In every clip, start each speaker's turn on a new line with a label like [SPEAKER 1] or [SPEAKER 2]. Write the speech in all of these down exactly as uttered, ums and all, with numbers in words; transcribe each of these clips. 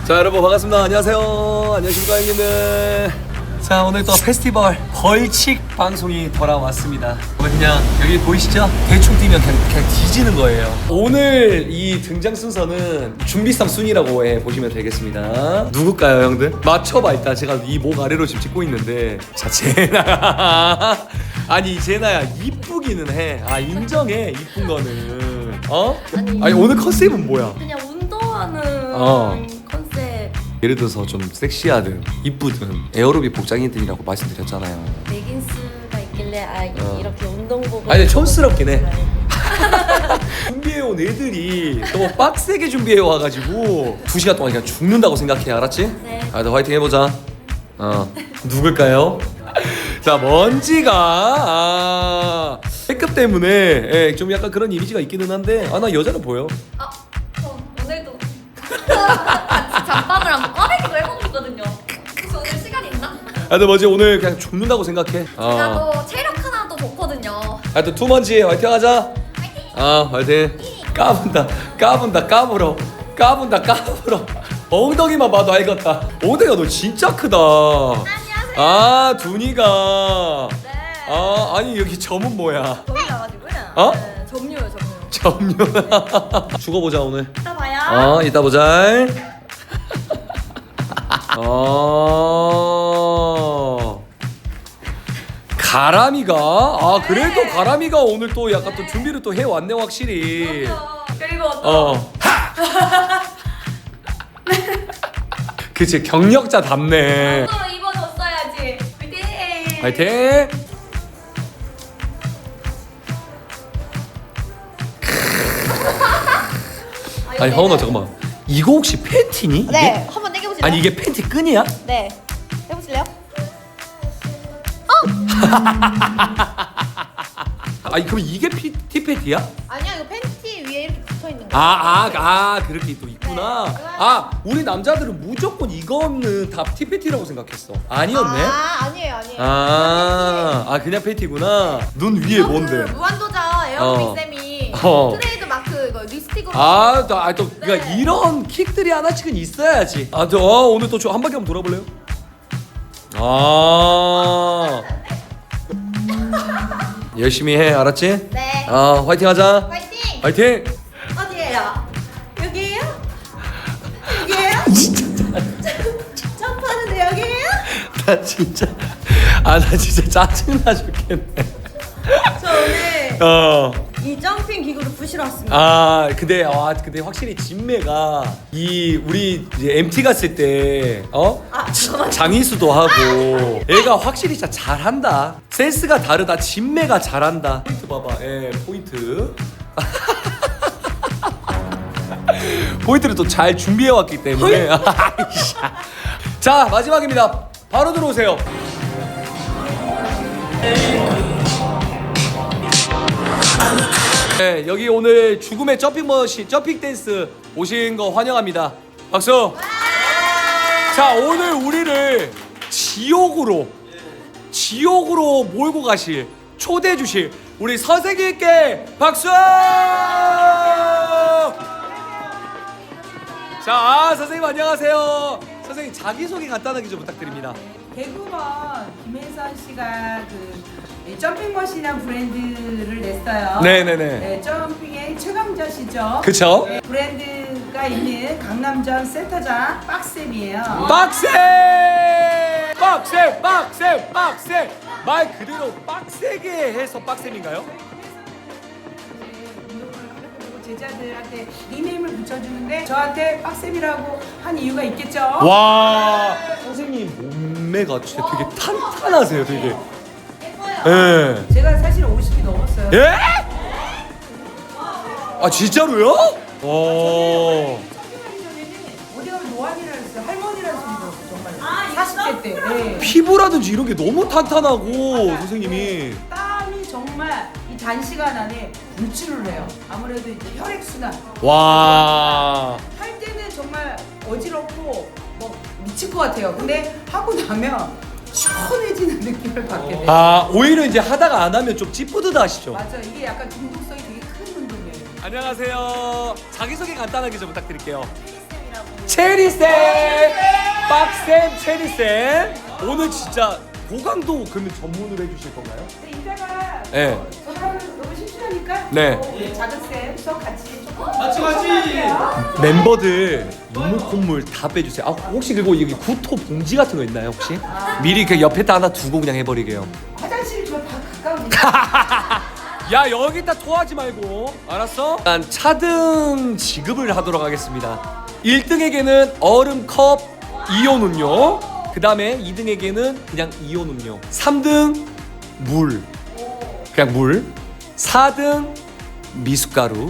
[SPEAKER 1] 자 여러분 반갑습니다. 안녕하세요. 안녕하십니까 형님들. 자 오늘 또 페스티벌 벌칙 방송이 돌아왔습니다. 오늘 그냥 여기 보이시죠? 대충 뛰면 그냥, 그냥 뒤지는 거예요. 오늘 이 등장 순서는 준비상 순이라고 해 보시면 되겠습니다. 누굴까요 형들? 맞춰봐. 일단 제가 이 목 아래로 지금 찍고 있는데 자 제나야. 아니 제나야 이쁘기는 해. 아 인정해 이쁜 거는. 어?
[SPEAKER 2] 아니,
[SPEAKER 1] 아니 오늘 컨셉은 뭐야?
[SPEAKER 2] 그냥 운동하는
[SPEAKER 1] 어.
[SPEAKER 2] 컨셉.
[SPEAKER 1] 예를 들어서 좀 섹시하든 이쁘든 에어로빅 복장이든이라고 말씀드렸잖아요.
[SPEAKER 2] 레깅스가 있길래 아
[SPEAKER 1] 어.
[SPEAKER 2] 이렇게 운동복을.
[SPEAKER 1] 아니 촌스럽긴 해. 준비해온 애들이 너무 빡세게 준비해 와가지고 두 시간 동안 그냥 죽는다고 생각해. 알았지?
[SPEAKER 2] 네.
[SPEAKER 1] 아, 너 화이팅 해보자. 어 누굴까요? 자 먼지가 아, B급 때문에 예, 좀 약간 그런 이미지가 있기는 한데 아 나 여자는 보여.
[SPEAKER 2] 아, 저 오늘도 같이 잠밤을 한번 꺼내기도 해보고 있거든요. 혹시 오늘 시간 있나?
[SPEAKER 1] 아 근데 뭐지 오늘 그냥 죽는다고 생각해. 어.
[SPEAKER 2] 제가 또 체력 하나도 좋거든요.
[SPEAKER 1] 하여튼 투먼지 화이팅 하자. 아 화이팅. 까분다 까분다 까불어 까분다 까불어. 엉덩이만 봐도 알겠다. 엉덩이가 너 진짜 크다.
[SPEAKER 2] 안녕하세요.
[SPEAKER 1] 아 두니가.
[SPEAKER 2] 네.
[SPEAKER 1] 아 아니 여기 점은 뭐야?
[SPEAKER 2] 저희 나가지고요.
[SPEAKER 1] 어?
[SPEAKER 2] 네, 점유요 점유.
[SPEAKER 1] 점요. 죽어보자 오늘.
[SPEAKER 2] 이따 봐요.
[SPEAKER 1] 어 이따 보자. 어. 가람이가 아 그래도
[SPEAKER 2] 네.
[SPEAKER 1] 가람이가 오늘 또 약간 또 준비를 또 해왔네 확실히.
[SPEAKER 2] 그럼요. 그리고 또
[SPEAKER 1] 어. 그치 경력자답네.
[SPEAKER 2] 또 입어줬어야지. 화이팅.
[SPEAKER 1] 화이팅. 아니 하은아 잠깐만 이거 혹시 팬티니? 이게?
[SPEAKER 2] 네, 한번 당겨보실래요?
[SPEAKER 1] 아니 이게 팬티 끈이야?
[SPEAKER 2] 네, 해보실래요?
[SPEAKER 1] 아니 그럼 이게 피, 티팬티야?
[SPEAKER 2] 아니야, 이거 팬티 위에 이렇게 붙어 있는 거.
[SPEAKER 1] 아아아 아, 아, 그렇게 또 있구나.
[SPEAKER 2] 네.
[SPEAKER 1] 아 우리 남자들은 무조건 이거는 다 티팬티라고 생각했어. 아니었네?
[SPEAKER 2] 아, 아니에요, 아니에요.
[SPEAKER 1] 아, 아 그냥 팬티구나. 눈 위에 뭔데?
[SPEAKER 2] 그 무한도전 에어로빅
[SPEAKER 1] 어.
[SPEAKER 2] 쌤이
[SPEAKER 1] 어.
[SPEAKER 2] 트레이드 마크 이거 립스틱으로.
[SPEAKER 1] 아, 또, 아, 또, 그러니까
[SPEAKER 2] 네.
[SPEAKER 1] 이런 킥들이 하나씩은 있어야지. 아, 저 어, 오늘 또 한 바퀴 한번 돌아볼래요? 아, 열심히 해, 알았지?
[SPEAKER 2] 네.
[SPEAKER 1] 아, 화이팅하자.
[SPEAKER 2] 파이팅.
[SPEAKER 1] 화이팅.
[SPEAKER 2] 어디예요? 여기예요? 여기예요? 점프하는데 여기예요?
[SPEAKER 1] 나 진짜, 아, 나 진짜 짜증나 죽겠네.
[SPEAKER 2] 저 오늘
[SPEAKER 1] 어.
[SPEAKER 2] 이 점핑 기구를 부시러 왔습니다.
[SPEAKER 1] 아 근데 아 근데 확실히 진매가 이 우리 이제 엠티 갔을 때 어?
[SPEAKER 2] 아, 잠깐만요.
[SPEAKER 1] 장희수도 하고 얘가 확실히 진짜 잘한다. 센스가 다르다. 진매가 잘한다. 포인트 봐봐. 예 포인트. 포인트를 또 잘 준비해 왔기 때문에. 자 마지막입니다. 바로 들어오세요. 네, 여기 오늘 죽음의 점핑 머신, 점핑 댄스 오신 거 환영합니다. 박수. 자, 오늘 우리를 지옥으로, 지옥으로 몰고 가실, 초대해 주실 우리 선생님께 박수. 자, 아, 선생님 안녕하세요. 선생님 자기 소개 간단하게 좀 부탁드립니다.
[SPEAKER 3] 개그우먼 김혜선 씨가 그 이 점핑머신이라는 브랜드를 냈어요.
[SPEAKER 1] 네네네.
[SPEAKER 3] 네, 점핑의 최강자시죠.
[SPEAKER 1] 그쵸?
[SPEAKER 3] 네, 브랜드가 있는 강남점 센터장 박쌤이에요.
[SPEAKER 1] 빡세! 빡세! 빡세! 빡세! 말 그대로 빡세게 해서 빡셈인가요?
[SPEAKER 3] 그리고 제자들한테 닉네임을 붙여주는데 저한테 빡쌤이라고 한 이유가 있겠죠?
[SPEAKER 1] 와 선생님 몸매가 진짜 되게 탄탄하세요 되게. 예.
[SPEAKER 3] 제가 사실 오십이 넘었어요.
[SPEAKER 1] 예? 아 진짜로요? 와.
[SPEAKER 3] 어디 가면 노안이라 했어요. 할머니라는 소리 들었어요. 정말. 사십 대 때. 네.
[SPEAKER 1] 피부라든지 이런 게 너무 탄탄하고 선생님이.
[SPEAKER 3] 땀이 정말 이 단시간 안에 분출을 해요. 아무래도 이제 혈액순환.
[SPEAKER 1] 와.
[SPEAKER 3] 할 때는 정말 어지럽고 뭐 미칠 것 같아요. 근데 하고 나면 시원해지는 느낌을 받게 돼요.
[SPEAKER 1] 아 오히려 이제 하다가 안 하면 좀 찌뿌드하시죠?
[SPEAKER 3] 맞아, 이게 약간 중독성이 되게 큰 운동이에요.
[SPEAKER 1] 안녕하세요. 자기소개 간단하게 좀 부탁드릴게요.
[SPEAKER 2] 쌤이라고
[SPEAKER 1] 체리쌤! 빡쌤, 체리쌤! 오늘 진짜 고강도 그러면 전문으로 해주실 건가요?
[SPEAKER 3] 근데 이따가
[SPEAKER 1] 네.
[SPEAKER 3] 전화를 너무 심심하니까
[SPEAKER 1] 네.
[SPEAKER 3] 어, 작은 쌤 수업 같이 조금
[SPEAKER 1] 같이 같이!
[SPEAKER 3] 할게요.
[SPEAKER 1] 멤버들 이물 콧물 다 빼주세요. 아 혹시 그리고 여기 구토 봉지 같은 거 있나요 혹시? 미리 그 옆에다 하나 두고 그냥 해버리게요.
[SPEAKER 3] 화장실이 저 다 가까운데.
[SPEAKER 1] 야 여기다 토하지 말고 알았어? 일단 차등 지급을 하도록 하겠습니다. 일 등에게는 얼음컵 이온 음료, 그 다음에 이 등에게는 그냥 이온 음료, 삼 등 물, 그냥 물, 사 등 미숫가루,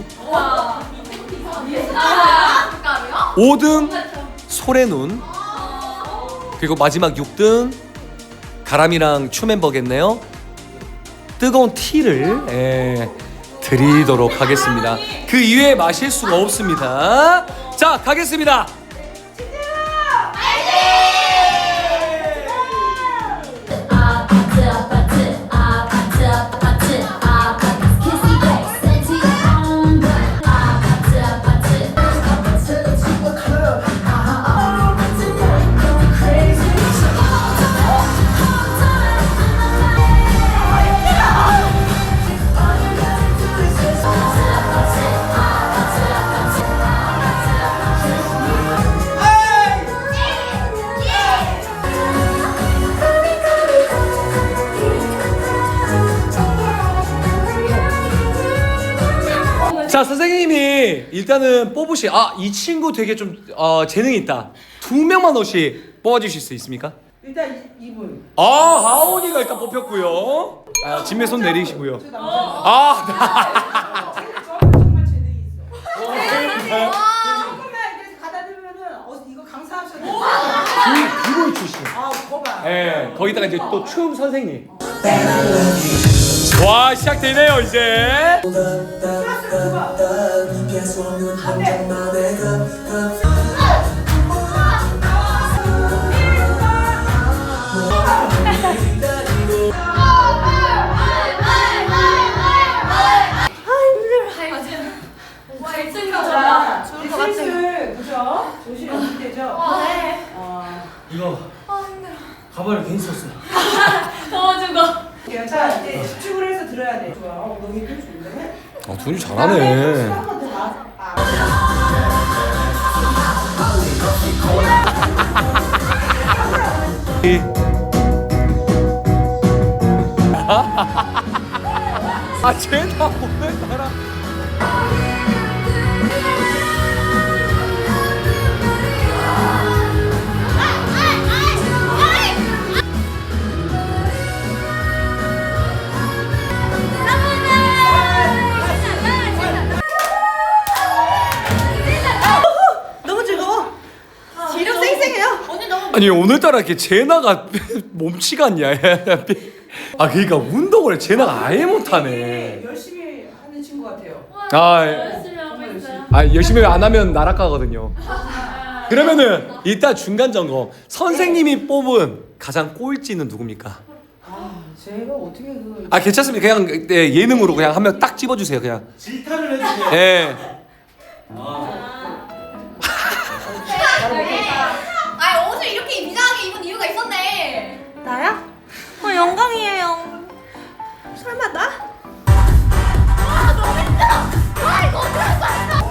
[SPEAKER 1] 오 등 소래눈, 그리고 마지막 육 등 가람이랑 추 멤버겠네요. 뜨거운 티를 예, 드리도록 하겠습니다. 그 이외에 마실 수가 없습니다. 자 가겠습니다.
[SPEAKER 4] 아파트 아파트 아파트 아파트 아파트 키스 백 센티 안돼 아파트 아파트 아파트 친구 클럽 아파트 going crazy
[SPEAKER 1] 자 선생님이 일단은 뽑으시. 아 이 친구 되게 좀 어, 재능이 있다. 두 명만 혹시 뽑아주실 수 있습니까?
[SPEAKER 3] 일단 이- 이분.
[SPEAKER 1] 아 하온이가 일단 뽑혔고요. 아 진매 손 내리시고요.
[SPEAKER 3] 저 남자.
[SPEAKER 1] 아
[SPEAKER 3] 저 정말 재능이 있어.
[SPEAKER 1] 네.
[SPEAKER 3] 조금만 이렇게 가다 대면은 어 이거 강사하셔도 돼.
[SPEAKER 1] 비보이 출신.
[SPEAKER 3] 아, 거봐.
[SPEAKER 1] 예, 거기다가 이제 또 춤 선생님. 와 시작되네요 이제.
[SPEAKER 3] 플러스 그거. 자,
[SPEAKER 2] 좋을 것 같아.
[SPEAKER 3] 슬슬 그죠? 조심 연습 되죠?
[SPEAKER 2] 네.
[SPEAKER 3] 어.
[SPEAKER 1] 이거 가발을 괜히 썼어.
[SPEAKER 2] 더워 죽어.
[SPEAKER 3] 자, 이제 집중을 해서 들어야 돼. 좋아. 어, 너무 힘 좋은데?
[SPEAKER 1] 아 둘이 잘하네.
[SPEAKER 3] 한번 더 나. 아.
[SPEAKER 1] 아 쟤나 오늘따라.
[SPEAKER 2] 너무 즐거워. 지력 쌩쌩해요. 언니 너무
[SPEAKER 1] 아니 오늘따라 이렇게 제나가 몸치가 않냐? 아 그러니까 운동을 제나가 아예 못하네.
[SPEAKER 3] 되게 열심히 하는 친구 같아요.
[SPEAKER 1] 아,
[SPEAKER 2] 열심히 하고 있어요.
[SPEAKER 1] 아 열심히 안 하면 나락가거든요. 그러면은 이따 중간 점검. 선생님이 뽑은 가장 꼴찌는 누굽니까?
[SPEAKER 3] 아, 제가 어떻게 그
[SPEAKER 1] 아 괜찮습니다. 그냥 네, 예능으로 그냥 한 명 딱 집어주세요. 그냥.
[SPEAKER 5] 질타를 해주세요.
[SPEAKER 1] 예.
[SPEAKER 2] 아 옷을 이렇게 비장하게 입은 이유가 있었네. 나야? 어 영광이에요. 설마 나? 아 너무 힘들어. 아 이거 어떡할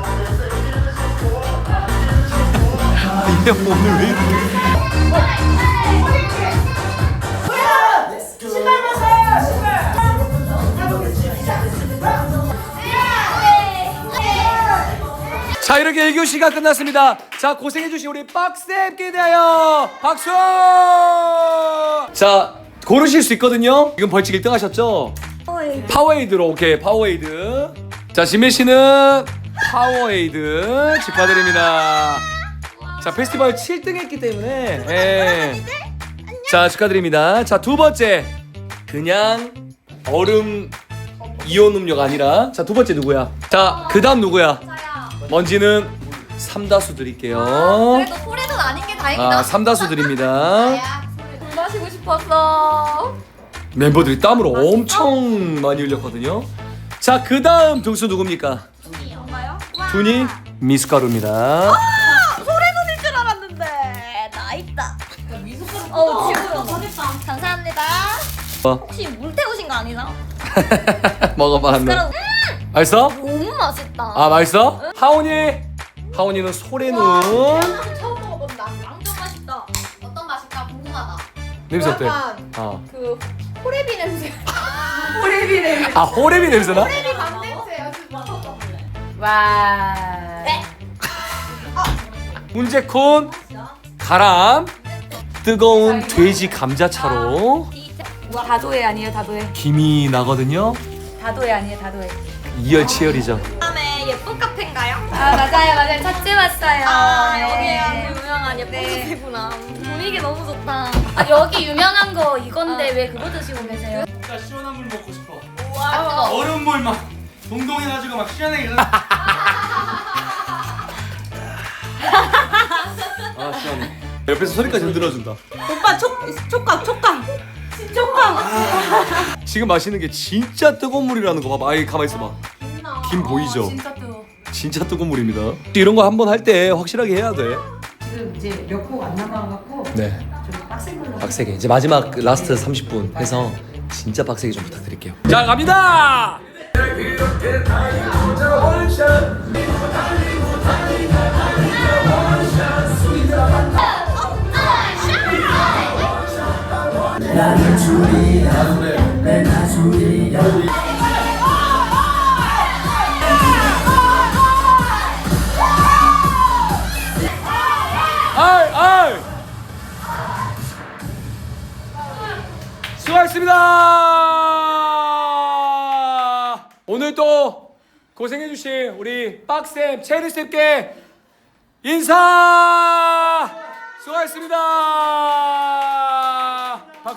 [SPEAKER 1] 이게 오늘 왜 이렇게?
[SPEAKER 3] 신발 벗어요, 신발.
[SPEAKER 1] 자 이렇게 일 교시가 끝났습니다. 자 고생해주신 우리 빡쌤께 대하여 박수. 자 고르실 수 있거든요. 지금 벌칙 일 등 하셨죠?
[SPEAKER 2] 파워에이드.
[SPEAKER 1] 파워에이드로 오케이 파워에이드. 자 진미 씨는 파워에이드 축하드립니다. 자 페스티벌 칠 등 했기 때문에 예. 자 축하드립니다. 자 두 번째 그냥 얼음 이온 음료가 아니라 자 두 번째 누구야? 자 그 다음 누구야?
[SPEAKER 2] 자야.
[SPEAKER 1] 먼지는 삼다수 드릴게요.
[SPEAKER 2] 그래도 소리는 아닌 게 다행이다.
[SPEAKER 1] 아 삼다수 드립니다.
[SPEAKER 2] 자야. 물 마시고 싶었어.
[SPEAKER 1] 멤버들이 땀을 엄청 많이 흘렸거든요. 자 그다음 등수 누굽니까?
[SPEAKER 2] 뭔가요?
[SPEAKER 1] 둔이 미숫가루입니다.
[SPEAKER 2] 혹시 물 태우신 거 아니나?
[SPEAKER 1] 먹어봐 한번.
[SPEAKER 2] 그럼
[SPEAKER 1] 맛있어?
[SPEAKER 2] 너무 맛있다.
[SPEAKER 1] 아 맛있어? 하온이 하온이는 소래눈
[SPEAKER 2] 처음 먹어본다. 완전 맛있다. 어떤 맛일까 궁금하다.
[SPEAKER 1] 냄새 어때?
[SPEAKER 2] 약간
[SPEAKER 1] 어.
[SPEAKER 2] 그 호레비 냄새.
[SPEAKER 3] 호레비레.
[SPEAKER 1] 아 호래비 냄새나?
[SPEAKER 2] 호레비 밥 냄새야. 맡아볼래.
[SPEAKER 3] 와.
[SPEAKER 2] 네.
[SPEAKER 1] 문제콘 가람 뜨거운 돼지 감자차로
[SPEAKER 3] 다도해 아니에요 다도해.
[SPEAKER 1] 김이 나거든요.
[SPEAKER 3] 다도해 아니에요 다도해.
[SPEAKER 1] 이열치열이죠.
[SPEAKER 2] 다음에 예쁜 카페인가요?
[SPEAKER 3] 아 맞아요 맞아요 첫째 왔어요.
[SPEAKER 2] 아
[SPEAKER 3] 네.
[SPEAKER 2] 여기가 그 유명한 예쁜
[SPEAKER 3] 네.
[SPEAKER 2] 카페구나. 분위기 너무 좋다.
[SPEAKER 3] 아 여기 유명한 거 이건데 왜 그거 드시고 계세요?
[SPEAKER 5] 진짜 시원한 물 먹고 싶어.
[SPEAKER 2] 아 뜨거.
[SPEAKER 5] 얼음물 막 동동해가지고 막 시원하게.
[SPEAKER 1] 아 시원해. 옆에서 소리까지 흔들어준다.
[SPEAKER 3] 오빠 촉 촉각 촉각 촉각.
[SPEAKER 1] 지금 마시는 게 진짜 뜨거운 물이라는 거 봐봐. 아이 가만 있어봐. 김 보이죠?
[SPEAKER 3] 진짜 뜨거.
[SPEAKER 1] 진짜 뜨거운 물입니다. 이런 거 한 번 할 때 확실하게 해야 돼.
[SPEAKER 3] 지금 이제 몇 곡 안 남아갖고
[SPEAKER 1] 네.
[SPEAKER 3] 좀 빡센 걸로.
[SPEAKER 1] 빡세게 이제 마지막 라스트 삼십 분 해서 진짜 빡세게 좀 부탁드릴게요. 자 갑니다. 아이 아이 수고하셨습니다. 오늘 또 고생해주신 우리 빡쌤 체리쌤께 인사 수고하셨습니다.